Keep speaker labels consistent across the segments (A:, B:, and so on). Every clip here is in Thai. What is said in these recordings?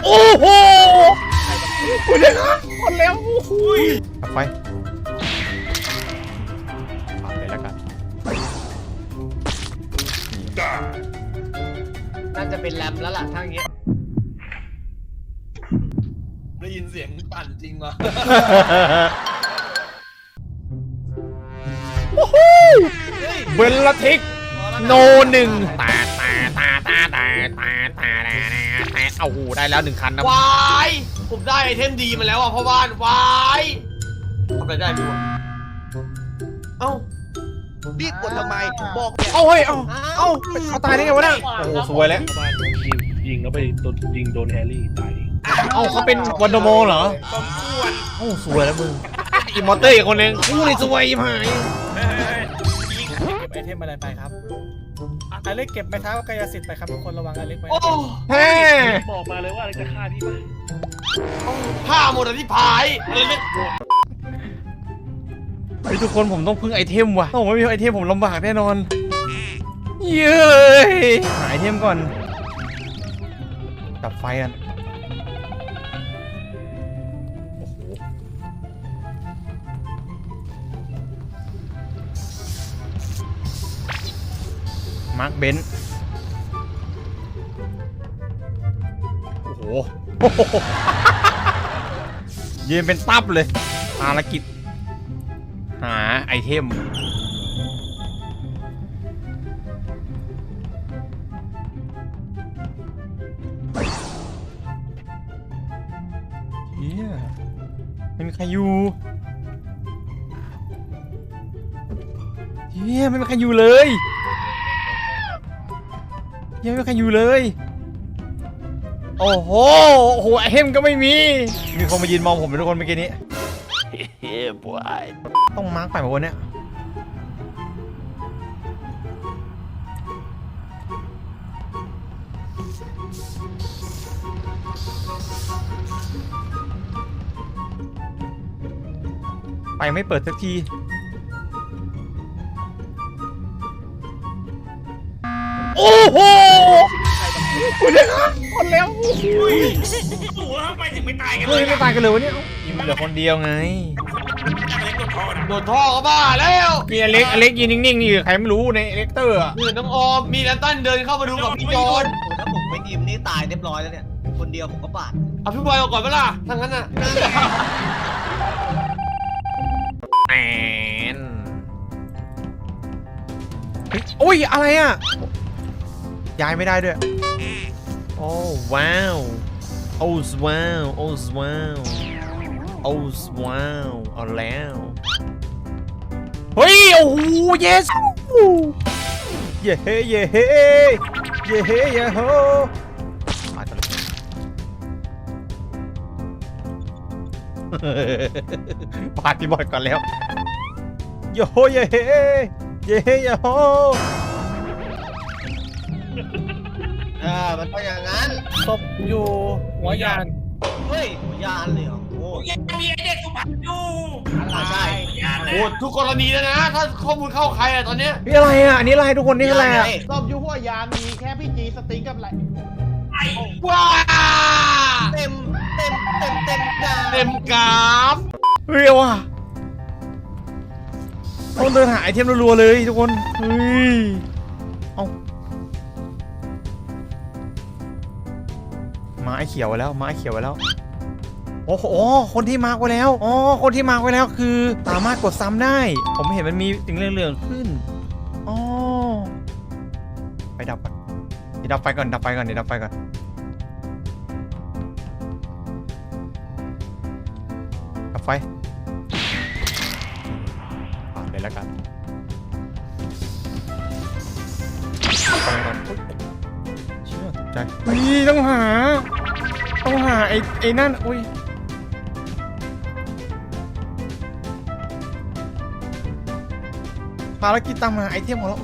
A: โอ้โหคุณเลยครับคนแล้วไปเลยแล้วกัน
B: น่าจะเป็นแรมแล้วล่ะถ้าอย่างเงี้ย
C: ได้ยินเสียงปั่นจริงวะ
A: เบลลทิกโนหนึ่งตาเอาหูได้แล้ว1 คันนะ
B: วายผมได้ไอเทมดีมาแล้วอ่ะพ่อบ้านวายทำอะไรได้พี่วะเอ้า
C: พี่กดทำไมบอกเนี่ย
A: เอาเฮ้ยเอาตายได้ไงวะเนี่ยโอ้โหสวยแล้ว
D: ยิงแล้วไปยิงโดนแฮร์รี่ตาย
A: เอาเขาเป็นวันโดโมเหรอ
C: สมควร
A: โอ้สวยแล้วมึงอีมอเตอร์อีกคนนึงอู้นี่สวยยิ่งหาย
E: เก็บไอเทมอะไรไปครับอเล็กเก็บไม้เท้ากายสิทธิ์ไปครับทุกคนระวังอเล็กไว้
B: โอ้
A: แฮ่
D: บอกมาเลยว่าอะไรจะฆ่าพี่มั้ย
B: ผ้าหมดอ่ะที่พายเลยไม่
A: เฮ้ยทุกคนผมต้องพึ่งไอเทมว่ะถ้าผมไม่มีไอเทมผมลำบากแน่นอนเย้ยหาไอเทมก่อนดับไฟกันโอ้โหมาร์คเบนซ์โอ้โห ยืนเป็นตับเลยภารกิจหาไอเทมเฮียไม่มีใครอยู่เฮียไม่มีใครอยู่เลยเฮียไม่มีใครอยู่เลยโอ้โหไอเทมก็ไม่มีคนมายืนมองผมเป็นทุกคนเมื่อกี้นี้เฮ้ยบอยต้องมาร์กไปหมดวันเนี้ยไปไม่เปิดสักทีโอ้โหคุณเลยครับคนแล้ว
C: หัวไปถึงไม่ตายกัน
A: เฮ้ยไม่ตายกันเลยวะเนี่ยยิงเหลือคนเดียวไง
B: โดนท่อก็บ้าแล้ว
A: มีอเล็กยืนนิ่งๆนี่ใครไม่รู้ในเอเล็กเตอร์อะ
B: นี่น้องออมมีแลนตันเดินเข้ามาดูกับพี่จอน
C: ถ้าผมไม่ยิมนี่ตายเรียบร้อยแล้วเนี่ยคนเดียวผมก็บาด
B: เอาพี่บอยออกก่อนเปล่าถ้างั้นน่ะ
A: แอนเฮ้ยโอ้ยอะไรอะย้ายไม่ได้ด้วยโอ้ว้าวโอ้ว้าวโอ้ว้าวโอ้ว้าวเอาแล้วเฮ้ยโอ้โห yes เย้เฮ้เย้เฮ้เย้เฮ้เย้โฮมากันเลยปาดพี่บอยก่อนแล้วโยโฮเย้เฮ้เย้เฮ้เย้โฮ
C: มันก็อย่างนั้น
E: ศพอยู่หัวยาน
C: เฮ้ยยานเลยเหรอโอ้ย
B: ยังมีไอเด็กสุพรรณอยู่
C: ใช่
B: โหทุกกรณีแล้วนะ ถ้าข้อมูลเข้าใครอะตอนเนี้ย
A: นี่อะไรอ่ะ อันนี้อะไรทุกคนนี่อะไรอ่ะ
F: รอบยูหัวยานมีแค่พี่จีสติ๊กกับอะไร
B: ว้า
C: เต็มกา
B: เต็มกราฟ
A: เฮ้ยว่ะต้องเดินหาไอเทมรัวๆเลยทุกคนเฮ้ยเอามาไอเขียวไว้แล้วมาไอเขียวไว้แล้วโอ้โหคนที่มาร์กไว้แล้วอ๋อคนที่มาร์กไว้แล้วคือสามารถกดซ้ำได้ ผมเห็นมันมีสิ่งเหลืองๆขึ้นอ๋อไปดับก่อนเดี๋ยวดับไฟก่อนดับไฟก่อนเดี๋ยวดับไฟก่อนดับไฟปาดเลยแล้วกันไปก่อนเชื่อตกใจนี่ต้องหาไอ้นั่นอุ้ยภารกิจตามหาไอเทมของเรา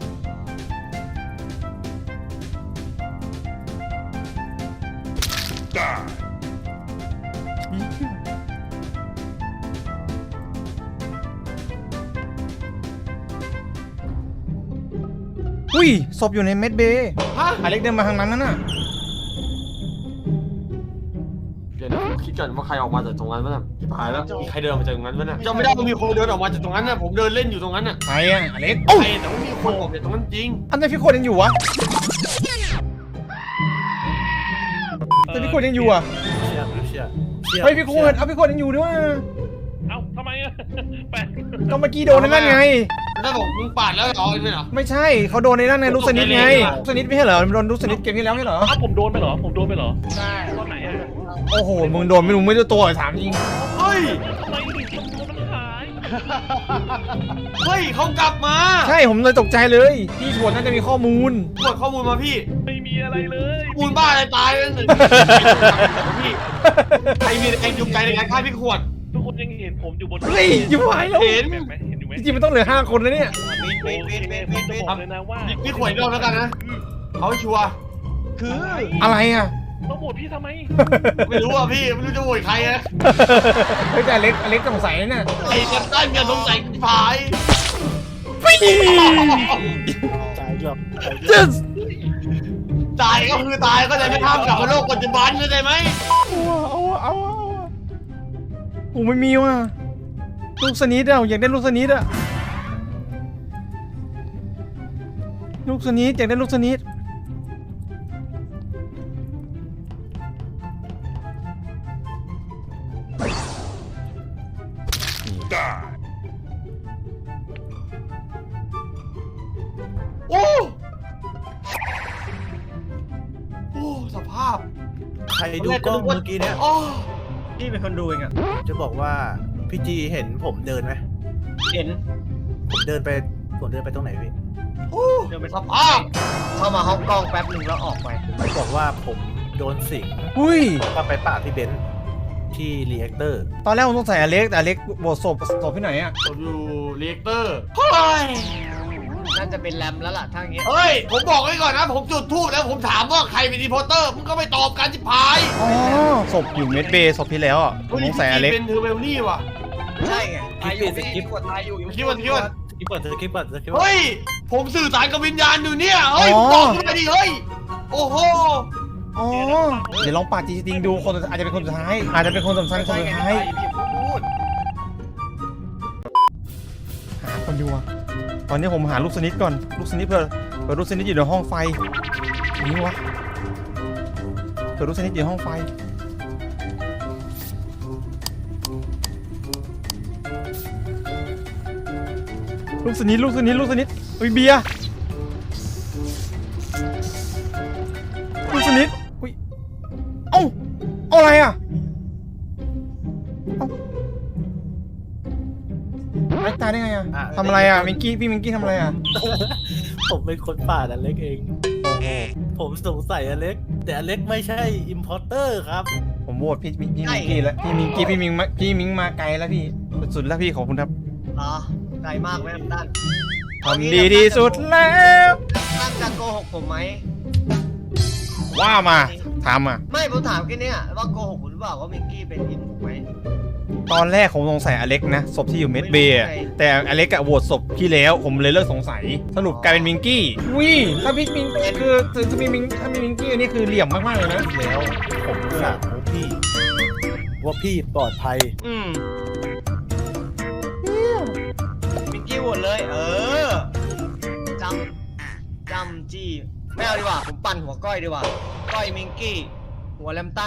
A: อุ้ยศพอยู่ในเม็ดเบย์
B: ฮะ
A: อเล็กเดินมาทางนั้นน่ะ
B: ดี๋ยวนะผมคิดก่อนว่าใครออกมาจากตรงนั้นวะน่ะที่ผายแล้วมีใครเดินออกมาจากตรงนั้นวะน่ะจำไม่ได้ว่ามีคนเดินออกมาจากตรงนั้นน่ะผมเดินเล่นอยู่ตรงนั้นน่ะ
A: ใครอะอเล็ก
B: ใครแต่ว่ามีคนออกจากตรงนั้นจริง
A: อันนี้พี่คนยังอยู่วะแต่พี่คนยังอยู่อ่ะ
D: เชื่อเชื่อ
A: เฮ้ยพี่คนเอาพี่คนยังอยู่ด้วย
D: เอ้าทำไมอะแปลก
A: ก็เมื่อกี้โดนในนั่นไง
B: แล้วบอกมึงปาดแล้วเหรอไม่เหรอ
A: ไม่ใช่เขาโดนในนั่นไงลูกสนิทไงลูกสนิทไม่ใช่เหรอมันโดนลูกสนิทเกมที่แล้วไม่เหรอ
D: เอ้าผมโดนไปเหรอผมโดนไปเหรอ
F: ใช่
D: ตอนไหนอะ
A: โอ้โหมึงโดนไม่รู้ไม่รู้ตัวถามจริง
B: เฮ้ย
D: ทำไมถึงตัวมันหาย
B: เฮ้ยเขากลับมา
A: ใช่ผมเลยตกใจเลยพี่ชวนน่าจะมีข้อมูล
B: ตรวจข้อมูลมาพี่
D: ไม่มีอะไรเลย
B: ข้อมูลบ้าอะไรตายแล้วหนึ่งพี่ใครมีแรงจูงใจในการฆ่าพี่ขวด
D: ทุกคนยังเห็นผมอยู่บน
A: เฮ้ยอยู่ไหวแล้ว
B: เห็น
D: เห็นไหมเห็นอยู่ไหม
A: จริงๆมันต้องเหลือ5 คนนะเนี่ย
D: โอเคผมจะบอกเลยนะว่า
B: พี่ขวดอีกรอบแล้วกันนะเอาให้ชัวร์
F: คือ
A: อะไรอ่ะ
D: ต้องโหวตพี่ทำไม
B: ไม่รู้อ่ะพี่ไม่รู้จะโหวตใครนะ
A: เฮ้ยแต่อเล็กสงสัยนะเนี่ย
B: ไอ้จะได้เมียสงสัยผาย
A: จึ๊ด
B: ตายก็คือตายก็จะไม่ห้ามกลับมาโลกปัจจุบันเข้าใจไหม
A: เอาโอ้ไม่มีว่ะลูกสนิทอ่ะอยากได้ลูกสนิทอ่ะลูกสนิทอยากได้ลูกสนิท
B: โอ้โอ้สภาพ
C: ใครดูกล้องเมื่อกี้เนี่ย
B: โอ้
C: พี่เป็นคนดูเองอ่ะจะบอกว่าพี่จีเห็นผมเดินไหม
F: เห็น
C: ผมเดินไปตรงไหนพี่
B: โอ้สภาพ
C: เข้ามาห้องกล้องแป๊บหนึ่งแล้วออกไปผมบอกว่าผมโดนสิง
A: อุ้ย
C: ก็ไปป่าพี่เบนซ์ที่รีแอคเตอร์
A: ตอนแรกผมสงสัยอเล็กแต่อเล็กบทศพที่ไหนอ่ะ
B: ผมอยู่เรียกเตอร์เฮ้ย
C: น่าจะเป็นแรมแล้วล่ะถ้าอย่างเงี้ย
B: เฮ้ยผมบอกไว้ก่อนนะผมจุดทูบแล้วผมถามว่าใครเป็นรีพอร์เตอร์มึงก็ไม่ตอบกันจิพาย
A: อ๋อศพอยู่เมดเบย์ศพที่แล้วอ่ะผมสงสัยอเล็ก
B: เป็นเทอร์เบลนี่ว่ะ
C: ใช่ไง
F: ตายอยู่พี่กดตายอยู่
B: คิดว่า
C: คลิปก่อนคลิปก่อน
B: เฮ้ยผมสื่อสารกับวิญญาณอยู่เนี่ยเฮ้ยบอกกูมาดิเฮ้ยโอ้โห
A: อ๋อเดี๋ยวลองปาดจริงๆดูคนอาจจะเป็นคนสุดท้ายอาจจะเป็นคนสำคัญคนสุดท้ายหาคนอยู่อ่ะตอนนี้ผมหาลูกสนิทก่อนลูกสนิทเผื่อลูกสนิทอยู่ในห้องไฟนี่วะเผื่อลูกสนิทอยู่ในห้องไฟลูกสนิทอุ้ยเบียร์ลูกสนิทอุ้ยเอ้าเอาอะไรอ่ะไอ้ตายได้ไงอ่ะทำอะไรอ่ะมิงกี้พี่มิงกี้ทำอะไรอ่ะ
C: ผมเป็นคนป่าดอเล็กเองผมสงสัยอเล็กแต่อเล็กไม่ใช่อิมพอร์เตอร์ครับ
A: ผมโหวตพี่มิงกี้แล้วพี่มิงมาไกลแล้วพี่สุดแล้วพี่ขอบคุณครับ
C: อ๋อไกลมากไหมน้ำตาล
A: ทำดีที่สุดแล้ว
C: ตั้งจะโกหกผมไหม
A: ว่ามาถามมา
C: ไม่ผมถามแค่เนี้ยว่าโกหกผมหรือเปล่าว่ามิกกี้เป็นอินถูกไหม
A: ตอนแรกผมสงสัยอเล็กนะศพที่อยู่เมดเบย์อะแต่อเล็กอะโหวตศพพี่แล้วผมเลยเลิกสงสัยสรุปกลายเป็นมิงกี้วิถ้าพี่มิงคือถ้ามีมิงกี้อันนี้คือเหลี่ยมมากๆเลยนะ
C: แล้วผมถามพี่ว่าพี่ปลอดภัย มิกกี้โหวตเลย จำจี้ไม่เอาดีกว่าผมปั่นหัวก้อยดีกว่าก้อยมิงกี้หัวแลมตัน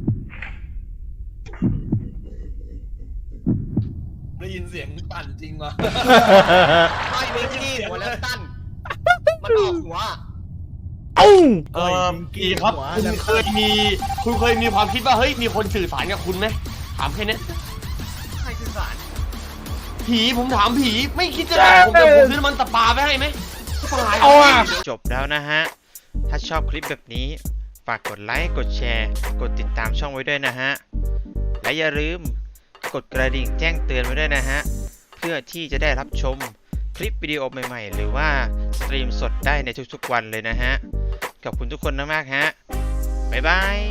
C: ได้ยินเสียงปั่นจริงวะก้อยมิงกี้หัวแลมตันมันออกหัว
A: เอ้า
B: พี่ครับคุณเคยมีความคิดว่าเฮ้ยมีคนสื่อสารกับคุณไหมถามแค่นี้
C: ใครสื่อสาร
B: ผีผมถามผีไม่คิดจะด่าผมแต่ผมซื้อน้ำมันตะปาไปให้ไหม
A: เอาอ่ะ
G: จบแล้วนะฮะ ถ้าชอบคลิปแบบนี้ ฝากกดไลค์ กดแชร์ กดติดตามช่องไว้ด้วยนะฮะ และอย่าลืมกดกระดิ่งแจ้งเตือนไว้ด้วยนะฮะ เพื่อที่จะได้รับชมคลิปวิดีโอใหม่ๆ หรือว่าสตรีมสดได้ในทุกๆวันเลยนะฮะ ขอบคุณทุกคนมากๆฮะ บ๊ายบาย